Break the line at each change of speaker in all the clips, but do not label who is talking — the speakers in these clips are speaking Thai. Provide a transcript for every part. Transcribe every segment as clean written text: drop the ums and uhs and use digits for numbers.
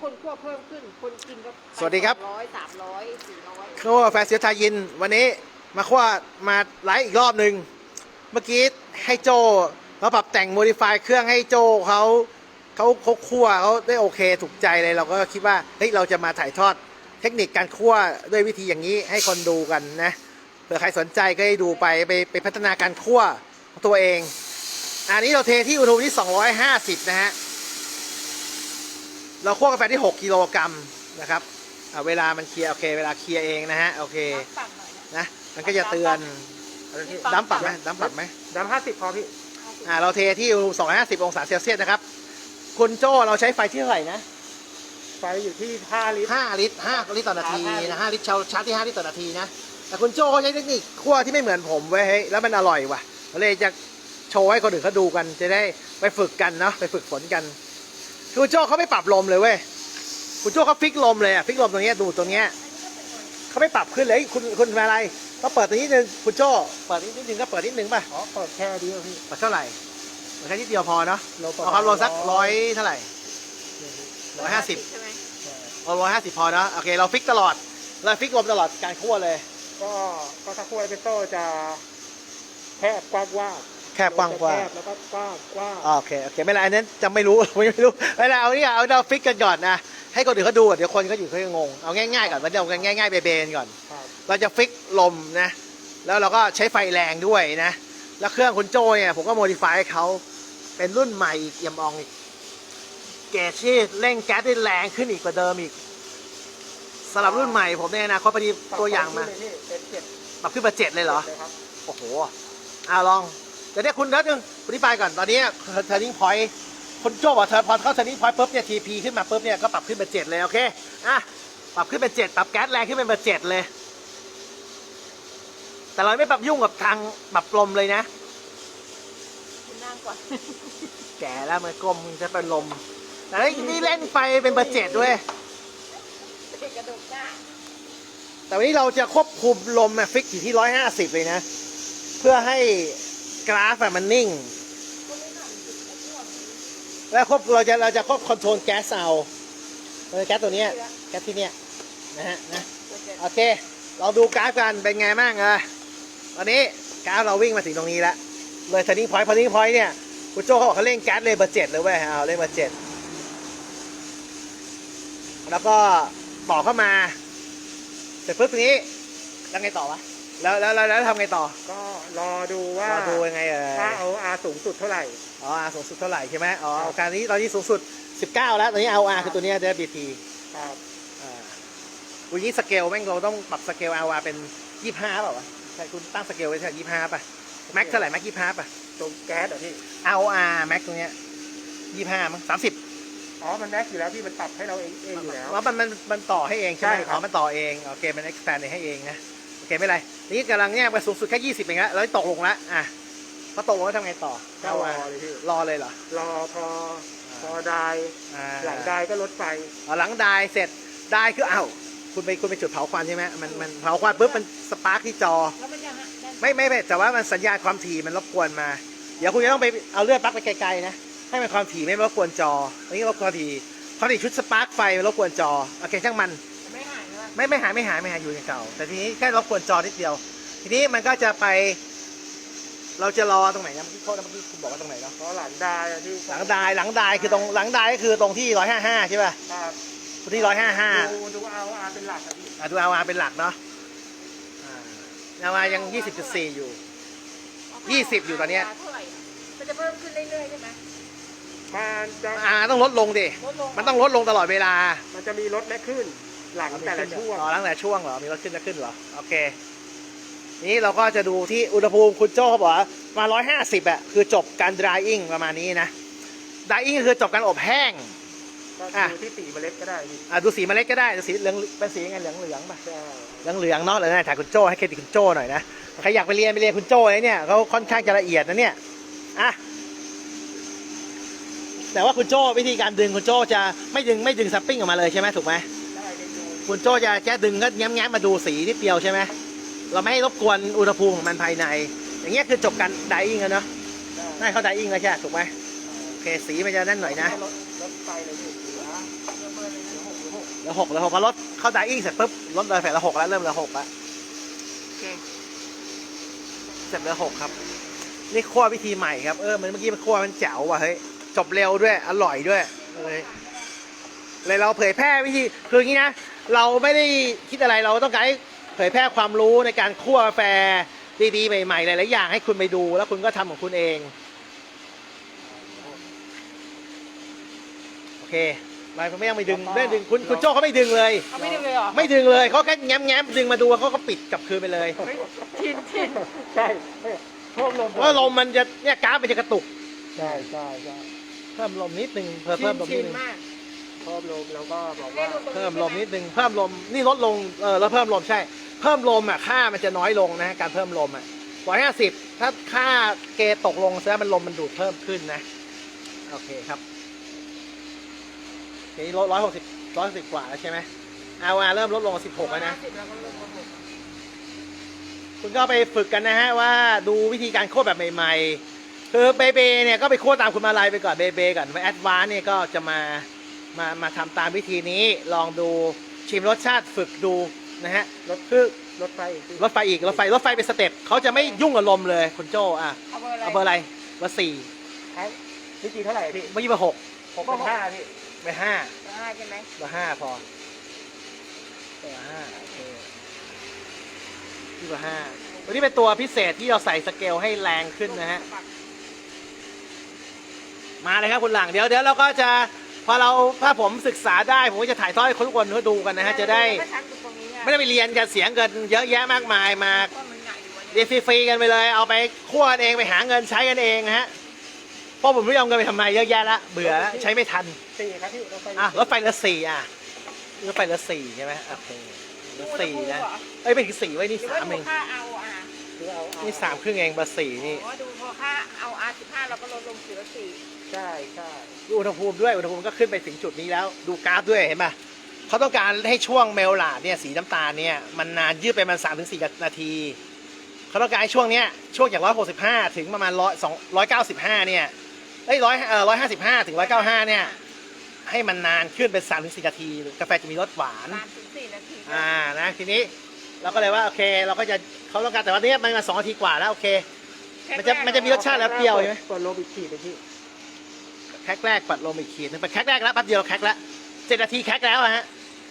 คนคั่วเพิ่มขึ้นคนกินก็
สวัสดีครับ
200 300 400
คั่วกาแฟเสียทายินวันนี้มาคั่วมาไลฟ์อีกรอบหนึ่งเมื่อกี้ให้โจเราปรับแต่งโมดิฟายเครื่องให้โจเขาคั่วเขาได้โอเคถูกใจเลยเราก็คิดว่าเฮ้ยเราจะมาถ่ายทอดเทคนิคการคั่วด้วยวิธีอย่างนี้ให้คนดูกันนะเผื่อใครสนใจก็ให้ดูไปพัฒนาการคั่วของตัวเองอันนี้เราเทที่อุณหภูมิที่250นะฮะเราคั่วกาแฟที่6กิโลกรัมนะครับเวลามันเคลียร์โอเคเวลาเคลียร์เองนะฮะโอเคนะมันก็จะเตือนดั้มปรับไหมดั้มปรับไหม
ดำ50พอพี่
เราเทที่อุณหภูมิ250องศาเซลเซียสนะครับคุณโจ้เราใช้ไฟที่เท่าไหร่นะ
ไฟอยู่ที่5 ลิตร
5 ลิตร5 ลิตรต่อนาทีนะ5 ลิตรชาร์จที่5 ลิตรต่อนาทีนะแต่คุณโจ้เขาใช้เทคนิคคั่วที่ไม่เหมือนผมเว้ยแล้วมันอร่อยว่ะเลยจะโชว์ให้คนอื่นเขาดูกันจะได้ไปฝึกกันเนาะไปฝึกฝนกันคุณโจ้เขาไม่ปรับลมเลยเว้ยคุณโจ้เขาฟิกลมเลยอะฟิกลมตรงนี้ดูตรงนี้เขาไม่ปรับขึ้นเลยคุณเป็นอะไรเขาเปิดตรงนี้นึงคุณโจ้เปิดนิดนึงก็เปิดนิดนึงป่ะ
อ๋อเปิดแค่เดียวพี่
เปิดเท่าไหร่เปิดแค่นิดเดียวพอเนาะเอาความลมสัก100เท่าไหร่150
ใช่ไหม
เอา150พอเนาะโอเคเราฟิกตลอดเราฟิกลมตลอดการคั่วเลย
ก็ถ้าคั่วเอสเปรสโซ่จะแคบกว้าง
แคบกว้างกว่า
แล้วก็กว้าง
โอเคไม่เป็นไรอันนั้นจะไม่รู้ไม่รู้ไม่เป็นไรเอานี่เอาเราฟิกกันก่อนนะให้คนอื่นเขาดูเดี๋ยวคนเขาอยู่เขาจะงงเอาง่ายๆก่อนวันเดียวกันง่ายๆเบนๆก่อนเราจะฟิกลมนะแล้วเราก็ใช้ไฟแรงด้วยนะแล้วเครื่องคุณโจ้เนี่ยผมก็โมดิฟายให้เขาเป็นรุ่นใหม่อีกเอี่ยมอองอีกเกจที่เร่งแก๊สได้แรงขึ้นอีกกว่าเดิมอีกสำหรับรุ่นใหม่ผมเนี่ยนะเขาพอดีตัวอย่างมาปรับขึ้นมา7เลยเหรอโอ้โหลองเดี๋ยวคุณนัดนึงอธิบายก่อนตอนนี้เทอร์นิ่งพอยต์คุณโจ้บอกพอเข้าเทอร์นิ่งพอยต์ปุ๊บเนี่ยทีพีขึ้นมาปุ๊บเนี่ยก็ปรับขึ้นเป็น7เลยโอเคปรับขึ้นเป็น7ปรับแก๊สแรงขึ้นเป็น7เลยแต่เราไม่ปรับยุ่งกับทางปรับลมเลยนะ
คุณนั่งก่อน
แก่แล้วมันกลมจะเป็นลมแต่นี่เล่นไฟเป็น7ด้วย
กระดูกหน้า
แต่วันนี้เราจะควบคุมลมฟิกอยู่ที่150เลยนะเพื่อให้กราฟมันนิ่งแล้วเราจะควบคอนโทรลแก๊สเอาแก๊สตัวนี้แก๊สที่เนี้ยนะโอเคเราดูกราฟกันเป็นไงบ้างตอนนี้กราฟเราวิ่งมาถึงตรงนี้แล้วเลย turning point เนี่ยคุณโจ้เขาบอกเขาเร่งแก๊สเลยเบอร์7เลยเว้ยเร่งเบอร์7แล้วก็ต่อเข้ามาเสร็จปุ๊บตรงนี้แล้วไงต่อวะแล้วทำไงต่อ
ก็รอดูว่า
ยังไง
ถ้าเอา R สูงสุดเท่าไหร่
R สูงสุดเท่าไหร่ใช่ไหมการนี้ตอนนี้สูงสุด19แล้วตอนนี้ R คือตัวนี้จะ BT
ครับ
วันนี้สเกลแม่งเราต้องปรับสเกล R เป็น25เปล่าวะใช่คุณตั้งสเกลไว้ที่25ป่ะแม็กเท่าไหร่แม็ก25ป่ะ
ตรงแก๊สเหรอพี่
R แม็กตรงเนี้ย25มั้ง30
มันแม็กอยู่แล้วพี่มันปรับให้เราเองอยู่แล้ว
ว่ามันต่อให้เองใช่ไหมมันต่อเองโอเคมัน expand ให้เองนะโอเคไม่ไรนี่กำลังเนี่ยไปสูงสุดแค่20เองแล้วตกลงแล้วพอตกลงแล้วทำไงต่อ
รอเลยพี่
รอเลยเหรอ
รอพอได้หลังได้ก็ลดไฟ
หลังได้เสร็จได้คือคุณไปจุดเผาควันใช่ไหมมันเผาควันปุ๊บมันสปาร์คที่จอไม่แต่ว่ามันสัญญาณความถี่มันรบกวนมาเดี๋ยวคุณจะต้องไปเอาเลือดปลั๊กไปไกลๆนะให้มันความถี่ไม่รบกวนจออันนี้รบกวนความถี่ชุดสปาร์คไฟรบกวนจอโอเคช่างมันไม่หายอยู่อย่างเก่าแต่ทีนี้แค่รบกวนจอนิดเดียวทีนี้มันก็จะไปเราจะรอตรงไหนนะเมื่อกี้คุณบอกว่าตรงไหนเนาะ
หลังได้ที่
หลังได้คือตรงหลังได้ก็คือตรงที่155ใช่ป่ะ
ครับ
ที่
ดูเอาเป็นหลักครับพี่
ดูเอาเป็นหลักเนาะเอายัง20.4อยู่20อยู่ตอนนี้
มันจะเพิ่มขึ้นเรื่อยๆใช่ไหม
มันจะ
ต้องลดลงดิมันต้องลดลงตลอดเวลา
มันจะมีลดและขึ้นหลังแต่ละช่วง
หลังแต่ช่วงเหรอมีลดขึ้นและขึ้นเหรอโอเคนี้เราก็จะดูที่อุณหภูมิคุณโจ้เขาบอกมา150คือจบการ drying ประมาณนี้นะ drying คือจบการอบแห้ง
ดูที่สีเมล็ดก็ได้
ดูสีเมล็ดก็ได้สีเหลืองเป็นสียังไงเหลืองป่ะเหลืองเนาะเลยนะถ่ายคุณโจ้ให้เครดิตคุณโจ้หน่อยนะใครอยากไปเรียนคุณโจ้เนี่ยเขาค่อนข้างจะละเอียดนะเนี่ยแต่ว่าคุณโจ้วิธีการดึงคุณโจ้จะไม่ดึงซับปิ้งออกมาเลยใช่ไหมถูกไหมคุณโจ้จะแค่ดึงก็แง้มมาดูสีนิดเดียวใช่ไหมเราไม่ให้รบกวนอุณหภูมิของมันภายในอย่างเงี้ยคือจบการไดอิ่งแล้วเนาะได้เขาไดอิ่งแล้วใช่ถูกไหมโอเคสีมันจะนั่นหน่อยนะเหลือ6เหลือ6พอรถเข้าไดอิ่งเสร็จปุ๊บรถเลยแผลละ6แล้วเริ่มเหลือ6แล้ว
โอเค
เสร็จเหลือ6ครับนี่คั่ววิธีใหม่ครับมันเมื่อกี้มันคั่วมันแจ๋วว่ะเฮ้ยจบเร็วด้วยอร่อยด้วยเลยเราเผยแพร่วิธีคืออย่างนี้นะเราไม่ได้คิดอะไรเราต้องการให้เผยแพร่ความรู้ในการคั่วกาแฟดีๆใหม่ๆหลายๆอย่างให้คุณไปดูแล้วคุณก็ทำของคุณเองโอเคไม่ต้องไปดึงไม่ดึงคุณโจ้เขาไม่ดึงเลย
เขาไม่ดึงเลยเหรอ
ไม่ดึงเลยเขาแค่แง้มดึงมาดูเขาก็ปิดกลับคืนไปเลย
ชิน
ใช่เพิ่มลม
เพราะลมมันจะเนี่ยกราฟมันจะกระตุก
ใช่
เพิ่มลมนิดนึงเพิ่มลมนิดนึง
มาก
เพิ่มลมแล้วก็บอกว่า
เพิ่มลมนิดนึงเพิ่มลมนี่ลดลงแล้วเพิ่มลมใช่เพิ่มลมอ่ะค่ามันจะน้อยลงนะการเพิ่มลมอ่ะ150ถ้าค่าเกตกลงแสดงมันลมมันดูดเพิ่มขึ้นนะโอเคครับทีนี้ลด160กว่าแล้วใช่ไหมเริ่มลดลง16แล้วนะ
แล้วก็ลงมาหก
คุณก็ไปฝึกกันนะฮะว่าดูวิธีการโค้ดแบบใหม่ๆคือเบเบเนี่ยก็ไปโค้ดตามคุณมาลายไปก่อนเบเบก่อนไปแอดวานซ์เนี่ยก็จะมาทำตามวิธีนี้ลองดูชิมรสชาติฝึกดูนะฮะคือ
รถไฟ
รถไฟเป็นสเต็ปเขาจะไม่ยุ่งกับลมเลยคุณโจเอาเบอร์อะไรเบอร์4
นี่กี่เท่าไหร่พี่
เมื่อกี้เบอร์6
6.5พี่
เบอร์5
ได้ใช่ไหม
เบอร์5พอเบอร์5โอเคที่เบอร์5ตัวนี้เป็นตัวพิเศษที่เราใส่สเกลให้แรงขึ้นนะฮะมาเลยครับคุณหลังเดี๋ยวเราก็จะพอถ้าผมศึกษาได้ผมก็จะถ่ายทอดให้ทุกคนเขาดูกันนะฮะจะได้ไม่ได้ไปเรียนกันเสียเงินเยอะแยะมากมายมาเรียนฟรีๆกันไปเลยเอาไปคั่วกันเองไปหาเงินใช้กันเองนะฮะเพราะผมไม่ยอมเงินไปทำไมเยอะแยะละเบื่อใช้ไม่ทัน
4ครับพี่รถไฟ
รถไฟละ4รถไฟละ4ใช่ไหมโอเคละ4นะเป็นถึง4ไว้นี่3เอง
ค่าเอา
นี่3ครึ่งเองเบอร์4นี่
ดูพอค่าเอาR15เราก็ลดลง4ละ4
ใช่
ดูอุณหภูมิด้วยอุณหภูมิก็ขึ้นไปถึงจุดนี้แล้วดูกราฟด้วยเห็นป่ะเขาต้องการให้ช่วงเมลลาดเนี่ยสีน้ำตาลเนี่ยมันนานยืดไปมัน3-4 นาทีเขาต้องการให้ช่วงเนี้ยช่วงจาก165ถึงประมาณ195เนี่ย155ถึง195เนี่ยให้มันนานขึ้นเป็น3-4 นาทีกาแฟจะมีรสหวาน
3-4 นาที
นะทีนี้เราก็เลยว่าโอเคเราก็จะเขาต้องการแต่วันนี้มันมา2 นาทีกว่าแล้วโอเคมันจะมีรสชาติแล้วเปรี้ยวใช่ไหม
กดลมอีกขีดไปพี่
แคกแรกปัดลมอีกขีดนึงไปแคกแรกแล้วแป๊บเดียวแคกแล้ว7 นาทีแคกแล้วฮะ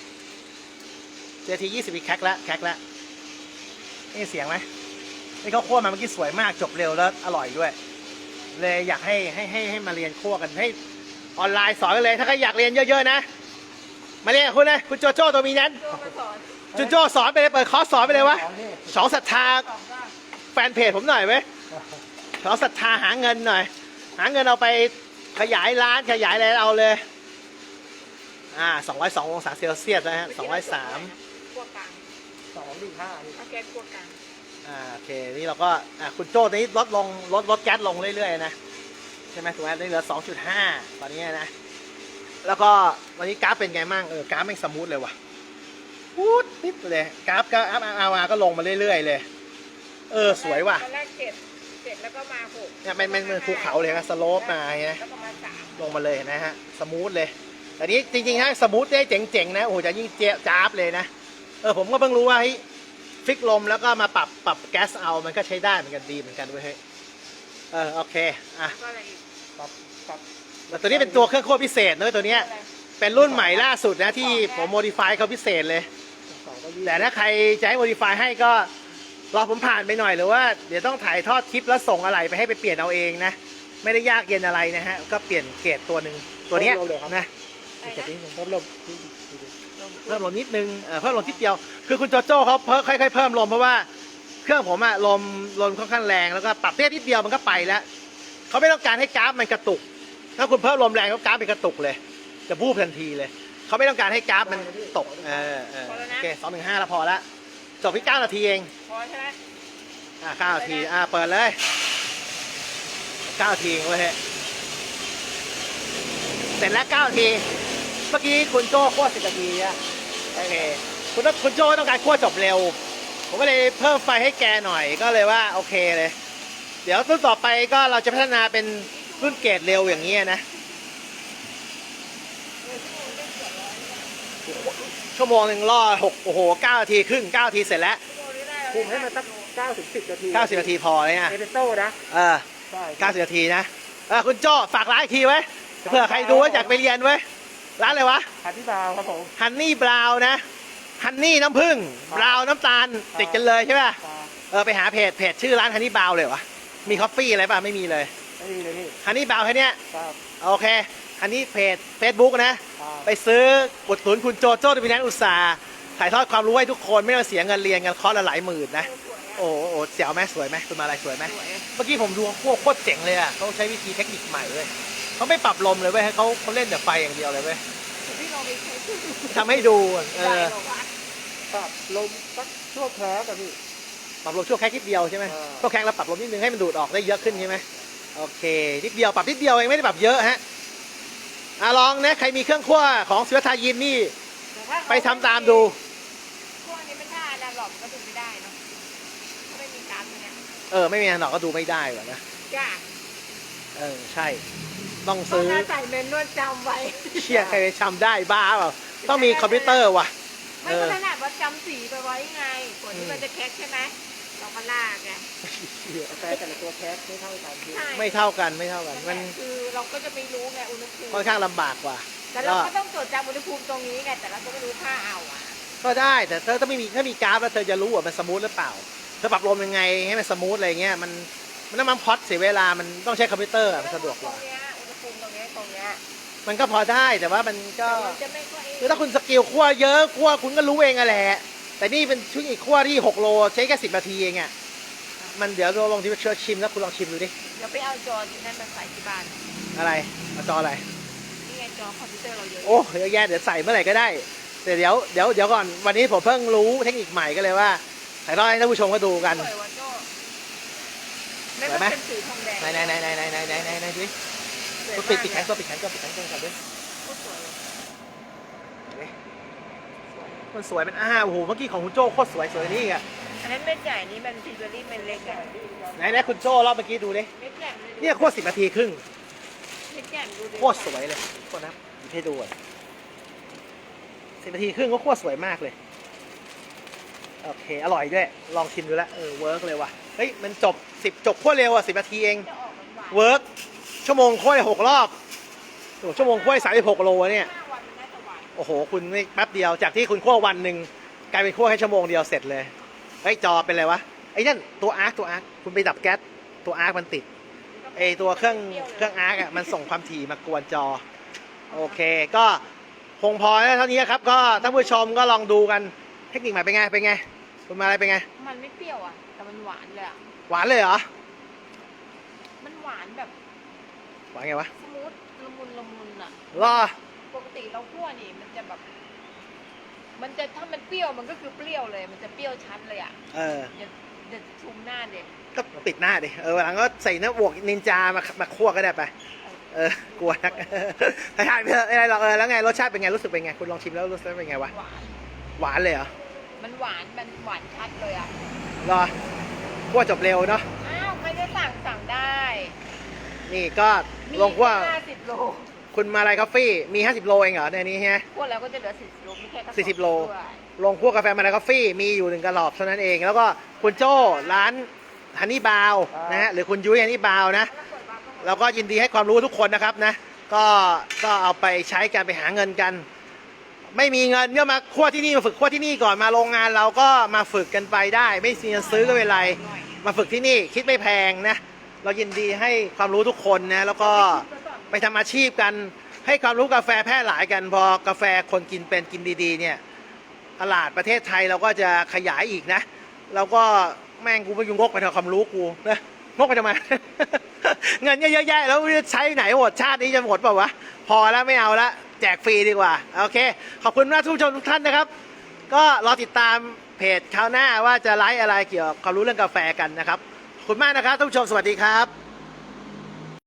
7 นาที 20 วิแคกแล้วนี่เสียงไหมนี่เขาคั่วมาเมื่อกี้สวยมากจบเร็วแล้วอร่อยด้วยเลยอยากให้มาเรียนคั่วกันให้ออนไลน์สอนกันเลยถ้าใครอยากเรียนเยอะๆนะมาเรียนกับคุณนะคุณโจโจ้ตัวมีนั้น
โจมาสอน
คุณโจสอนไปเลยเปิดคอร์สสอนไปเลยวะสองศรัทธา
สอนก็
แฟนเพจผมหน่อยไหมสองศรัทธาหาเงินหน่อยหาเงินเอาไปขยายร้านขยายอะไรเอาเลย202 องศาเซลเซียสนะฮะ203
คั่วกลาง
2.5พี่
เอาแก๊สคั่วกลาง
โอเคนี่เราก็คุณโจ้นี้ลดแก๊สลงเรื่อยๆนะใช่ไหมถูกไหมได้เหลือ 2.5 ตอนนี้นะแล้วก็วันนี้กราฟเป็นไงมั่งกราฟไม่สมูทเลยว่ะพูดนิดเลยกราฟก็ก็ลงมาเรื่อยๆเลยสวยว่ะ
ตอนแรก7แล้วก็มา6
เนี่ยมันภูเขาเลยนะสโลปมาไง
แล้วก็มา3
ลงมาเลยนะฮะสมูทเลยแต่นี้จริงๆถ้าสมูทได้เจ๋งๆนะโอ้โหจะยิ่งจ้าบเลยนะผมก็เพิ่งรู้ว่าฟิกลมแล้วก็มาปรับแก๊สเอามันก็ใช้ได้เหมือนกันดีเหมือนกันเว้ยเฮ้ยโอเค
ก็อะไรอีก
ปรับ
แต่ตัวนี้เป็นตัวเครื่องคั่วพิเศษนะตัวเนี้ยเป็นรุ่นใหม่ล่าสุดนะที่ผมโมดิฟายเขาพิเศษเลยแต่ถ้าใครจะให้โมดิฟายให้ก็รอผมผ่านไปหน่อยหรือว่าเดี๋ยวต้องถ่ายทอดคลิปแล้วส่งอะไรไปให้ไปเปลี่ยนเอาเองนะไม่ได้ยากเย็นอะไรนะฮะก็เปลี่ยนเกรดตัวหนึ่งตัวเนี้ยนะ
เพิ่มลม
เพิ่มลมนิดนึงเพิ่มลมนิดเดียวคือคุณโจโจ้เขาค่อยๆเพิ่มลมเพราะว่าเครื่องผมลมค่อนข้างแรงแล้วก็ปรับเตี้ยนิดเดียวมันก็ไปแล้วเขาไม่ต้องการให้กราฟมันกระตุกถ้าคุณเพิ่มลมแรงก็กราฟเป็นกระตุกเลยจะบูบทันทีเลยเขาไม่ต้องการให้กราฟมันตกโอเค215แล้วพอละจบที่9 นาทีเอง
พอใช่ไหม
9 นาทีเปิดเลย9 นาทีเว้ยเสร็จแล้ว9 นาทีเมื่อกี้คุณโจ้คั่ว10 นาทีอะโอเคคุณโจ้ต้องการคั่วจบเร็วผมก็เลยเพิ่มไฟให้แกหน่อยก็เลยว่าโอเคเลยเดี๋ยวรุ่นต่อไปก็เราจะพัฒนาเป็นรุ่นเกรดเร็วอย่างนี้นะชั่วโมงหนึ่งล่อ6โอ้โห9นาทีครึ่ง9นาทีเสร็จแล้ว
คุมให้มันสัก9 ถึง 10 นาที
90นาทีพอเลยนะ
เอสเปรสโซ่นะ
เออ
ใช่
90นาทีนะคุณโจ้ฝากร้านอีกทีไว้เผื่อใครดูว่าอยากไปเรียนไว้ร้านอะไรวะ
ฮันนี่บราวน์ครับผม
ฮันนี่บราวน์นะฮันนี่น้ำผึ้งบราวน์น้ำตาลติดกันเลยใช่ป่ะ
ครับ
ไปหาเพจชื่อร้านฮันนี่บราวน์เลยวะมีคอฟฟี่อะไรป่ะไม่มีเลย
ไม่มีเลยพี่
ฮันนี่บราวน์แค่เนี้ย
ครับ
โอเคฮันนี่เพจ Facebook นะ
ครับ
ไปซื้ออุดหนุนคุณโจโจ้ดิวินันอุตสาห์ถ่ายทอดความรู้ให้ทุกคนไม่ต้องเสียเงินเรียนกันคอร์สละหลายหมื่นนะโอ้โหเสียวไหมสวยไหมคุณมาอะไรสวยไหมเมื่อกี้ผมดูโคตรเจ๋งเลยอ่ะเขาใช้วิธีเทคนิคใหม่เลยเขาไม่ปรับลมเลยเว้ยเขาเล่นแต่ไฟอย่างเดียวเลยเว้ย
พี่ลองไปใช้ชื่อ
ทำให้ดูเอ
ได้
อ
บอกว่า
ปรับลมสักชั่วแคร์กับพี่
ปรับลมชั่วแค่นิดเดียวใช่ไหม
อ่า
ชั่วแค่แล้วปรับลมนิดนึงให้มันดูดออกได้เยอะขึ้นใช่ไหมโอเคนิดเดียวปรับนิดเดียวเองไม่ได้ปรับเยอะฮะลองนะใครมีเครื่องคั่วของศิวทายินนี่ไปทำตามดู
พวกนี้มันถ้าอนาล็อกก็ดูไม่ได้เนาะถ้าไม่มีการเนี่ย
ไม่มีหนอกก็ดูไม่ได้หรอกนะ
จ้า
ใช่ต้อง
ต้อง
ซื้อ
ใส่เมนนวดจำไว้
เชี่ยใครไปทำได้บ้าเปล่าต้องมีคอมพิวเตอร์ว่ะ
ไม่ก็ขนาดว่าจำสีไปไว้ไงก่อนที่มันจะแคคใช่ไหมเราก็ลากไง
กาแฟแต่ละตัวแคสไม่เท่ากันพี่
ใช่
ไม่เท่ากันมัน
คือเราก็จะไม่รู้ไงอุณหภูมิ
ค่อนข้างลำบากกว่า
แต่เราก็ต้องจดจำอุณหภูมิตรงนี้ไงแต่เราก็ไม่รู้ค่าเอาอ่ะ
ก็ได้แต่ถ้าไม่มีถ้ามีกราฟแล้วเธอจะรู้ว่ามันสมูทหรือเปล่าเธอปรับลมยังไงให้มันสมูทอะไรเงี้ยมันน้ำมันพอดเสียเวลามันต้องใช้คอมพิวเตอร์มันสะดวกกว่า
ตรงเนี้ยอุณหภูมิตรงเนี้ย
มันก็พอได้แต่ว่ามันก็
มันจะไม่ค่อย
คือถ้าคุณสกิลคั่วเยอะคั่วคุณก็รู้เองอะแหละแต่นี่เป็นชุดอีกคั่วที่6โลใช้แค่10นาทีเองอะมันเดี๋ยวเราลองที่เชิญชิมแล้วคุณลองชิมดูดิ
เดี๋ยวไปเอาจอที่นั่นมาใส่ที่บ้าน
อะไรเอาจออะไร
นี่ไงจอคอมพิวเตอร์เราเยอะ
โอ้เยอะแยะเดี๋ยวใส่เมื่อไหร่ก็ได้แต่เดี๋ยวก่อนวันนี้ผมเพิ่งรู้เทคนิคใหม่ก็เลยว่าถ่ายทอดให้ท่านผู้ชมก็ดูกัน
สวยว่ะโจ้ไม่
สวยไหม
เป็นสีทองแดง
ไหนดูดิ
สวยมาก
ปิดแขนก่อนก่อนด้วย
โคตรสวยเลย
มันสวยเป็นโอ้โหเมื่อกี้ของคุณโจ้โคตรสวยนี่อ่ะ
อันนั้นเม็ดใหญ่นี่มันพิเบอรี่เม็ดเล็กไง
ไหนคุณโจ้รอบเมื่อกี้ดูดิ
เม็ดใหญ่เลย
เนี่ยคั่ว10นาทีครึ่ง
เม็ดใหญ่ดูดิ
โคตรสวยเลยโคตรนะหยิบให้ดูอ่ะ10นาทีครึ่งก็โคตรสวยมากเลยโอเคอร่อยด้วยลองชิมดูแล้วเวิร์กเลยว่ะเฮ้ยมันจบคั่วเร็วอ่ะ10นาทีเอง
จะออกหวานๆ
เวิร์กชั่วโมงคั่ว6รอบโอ้ชั่วโมงคั่ว36โลเนี่ย
5 วันมันน่าจะหวาน
โอ้โหคุณไม่แป๊บเดียวจากที่คุณคั่ววันหนึ่งกลายเป็นคั่วแค่ชั่วโมงเดียวเสร็จเลยเฮ้ยจอเป็นไรวะไอ้นั่นตัวอาร์คคุณไปดับแก๊สตัวอาร์คมันติดไอ้ตัวเครื่องอาร์คอ่ะมันส่งความถี่มากวนจอโอเคก็คงพอแล้วเท่านี้ครับก็ท่านผู้ชมก็ลองดูกันเทคนิคใหม่เป็นไงคุณมาอะไรเป็นไง
มันไม่เปรี้ยวอ่ะแต่มันหวานเลยอ่ะ
หวานเลยเหรอ
มันหวานแบบ
หวานไงวะ
สมูทละมุนอ่ะ
รอ
ปกติเราคั่วนี่มันจะแบบ มันจะถ้ามันเปรี้ยวมันก็คือเปรี้ยวเลย มันจะเปรี้ยวชัดเลยอ่ะ อย่าชุมหน้าเด็ก
ก็ปิดหน้าดิวันหลังก็ใส่หน้าบวกนินจามาคั่วก็ได้ไปกลัวนักถ่ายไปเถอะอะไรหรอกแล้วไงรสชาติเป็นไงรู้สึกเป็นไงคุณลองชิมแล้วรู้สึกเป็นไงวะ
หวาน
หวานเลยเหรอ
มันหวานชัดเลยอ่ะ
รอคั่วจบเร็วเนาะ
อ้าวใครจะสั่งได้
นี่ก็ลงคั่ว
50 โล
คุณมาลายคอฟฟี่มี50โลเองเหรอในนี้ฮะ
คั่วแล้วก็จะเหลือ40 โลมีแค่กระสอบ
40โล
ด้วย
ลงคั่วกาแฟมาลายคอฟฟี่มีอยู่1กระหลอบเท่านั้นเองแล้วก็คุณโจ้ร้านฮันนี่บาวนะฮะหรือคุณยุ้ยฮันนี่บาวนะเราก็ยินดีให้ความรู้ทุกคนนะครับนะก็เอาไปใช้กันไปหาเงินกัน ไม่มีเงินก็มาคั่วที่นี่มาฝึกคั่วที่นี่ก่อนมาโรงงานเราก็มาฝึกกันไปได้ ไม่มีเงินซื้อก็ไม่เป็นไรมาฝึกที่นี่คิดไม่แพงนะเรายินดีให้ความรู้ทุกคนนะแล้วก็ไปทำอาชีพกันให้ความรู้กาแฟแพร่หลายกันพอกาแฟคนกินเป็นกินดีๆเนี่ยตลาดประเทศไทยเราก็จะขยายอีกนะเราก็แม่งกูไปยุ่งงกไปทำความรู้กูนะงกไปทำไม เงินเยอะแยะแล้วจะใช้ไหนหมดชาตินี้จะหมดเปล่าวะพอแล้วไม่เอาละแจกฟรีดีกว่าโอเคขอบคุณมากทุกผู้ชมทุกท่านนะครับ ก็รอติดตามเพจคราวหน้าว่าจะไลฟ์อะไรเกี่ยวกับความรู้เรื่องกาแฟกันนะครับขอบคุณมากนะครับท่านผู้ชมสวัสดีครับ